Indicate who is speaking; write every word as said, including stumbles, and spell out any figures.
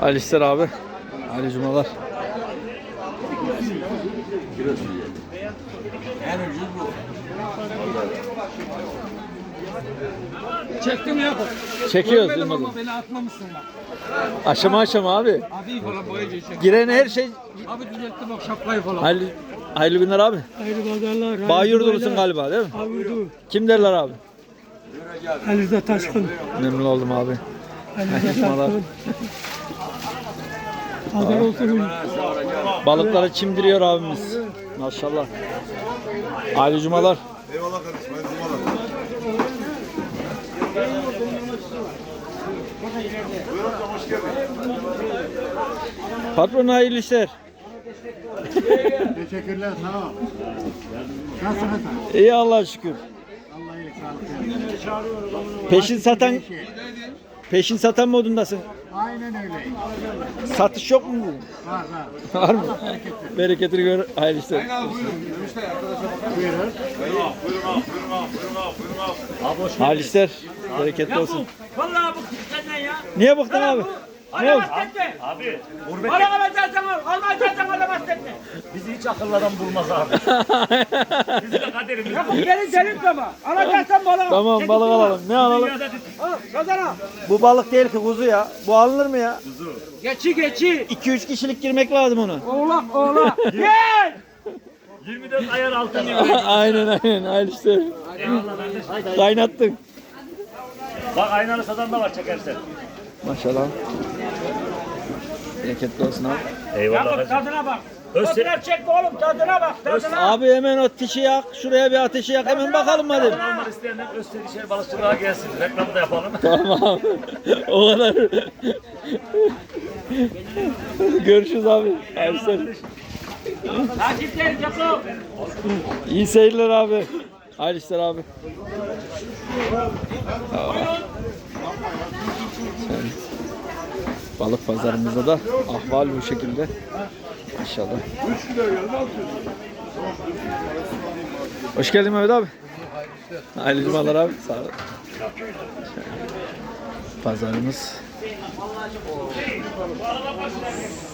Speaker 1: Ali İster abi. Ali Cumalar.
Speaker 2: En ucuz bu.
Speaker 3: Çektim ya.
Speaker 1: Çekiyoruz
Speaker 3: Görmedim
Speaker 1: Yılmaz'ım.
Speaker 3: ama beni atmamışsın bak.
Speaker 1: Aşama aşama abi.
Speaker 3: Abi falan boyunca çek.
Speaker 1: Giren her şey.
Speaker 3: Abi düzelttim bak şapkayı falan.
Speaker 1: Hayırlı, hayırlı günler abi.
Speaker 3: Hayırlı pazarlar.
Speaker 1: Bayurdulusun galiba değil mi?
Speaker 3: Avurdu.
Speaker 1: Kim derler abi?
Speaker 3: Ali Rıza Taşkın.
Speaker 1: Memnun oldum abi.
Speaker 3: Ali Rıza
Speaker 1: Yaşmalar.
Speaker 3: Taşkın. Pazar olsun.
Speaker 1: Balıkları çimdiriyor abimiz. Maşallah. Ali Cumalar.
Speaker 4: Eyvallah kardeşim. Hayırlı cumalar. Buyur amcam, hoş geldin.
Speaker 1: Patron hayırlı işler.
Speaker 2: Teşekkürler, sağ ol. Nasılsınız?
Speaker 1: İyi Allah'a şükür.
Speaker 2: Allah iyilik sağlık versin.
Speaker 1: Peşin satan peşin satan modundasın.
Speaker 2: Aynen öyle.
Speaker 1: Satış yok mu bugün?
Speaker 2: Var var.
Speaker 1: Var mı? Bereketini gör. Hayırlı işler.
Speaker 2: Buyurun.
Speaker 1: Hayırlı işler. Bereketli olsun.
Speaker 5: Vallahi bu senden ya.
Speaker 1: Niye bıktın abi? Ne oldu?
Speaker 5: Alamaz etme. Abi. Para alacaksan al. Almayacaksan alamaz etme.
Speaker 6: Bizi hiç akıllardan bulmaz abi. Bizim de kaderimiz.
Speaker 5: Yakın gelin senin ama. Alacaksan balık al.
Speaker 1: Tamam
Speaker 5: Çekil
Speaker 1: balık
Speaker 5: balık.
Speaker 1: alalım. Ne alalım?
Speaker 5: Al kazana.
Speaker 1: Bu balık değil ki kuzu ya. Bu alınır mı ya?
Speaker 5: Geçi geçi.
Speaker 1: iki üç kişilik girmek lazım onu.
Speaker 5: Oğlak oğlak. Gel.
Speaker 6: yirmi dört ayar altın gibi.
Speaker 1: aynen aynen. Hayırlı işler.
Speaker 6: Eyvallah kardeş.
Speaker 1: Kaynattın.
Speaker 6: Bak aynalı satan da var çekersen.
Speaker 1: Maşallah. Bereketli olsun abi.
Speaker 6: Eyvallah
Speaker 5: Yakın
Speaker 6: kardeşim.
Speaker 5: tadına bak.
Speaker 6: Öz-
Speaker 5: Fotoğraf çekme oğlum tadına bak tadına.
Speaker 1: Abi hemen o ateşi yak. Şuraya bir ateşi yak. Hemen bakalım hadi.
Speaker 6: Almak isteyenler Öztürk balıkçılığa gelsin. Reklamı da yapalım.
Speaker 1: Tamam. O kadar. Görüşürüz abi. Hayırlı işler.
Speaker 5: Takipteyiz yapalım.
Speaker 1: İyi seyirler abi. Hayırlı işler abi. Evet. Balık pazarımızda da ahval bu şekilde. İnşallah. Hoş geldin Mehmet abi. Hayırlı cumalar abi. Sağ ol. Pazarımız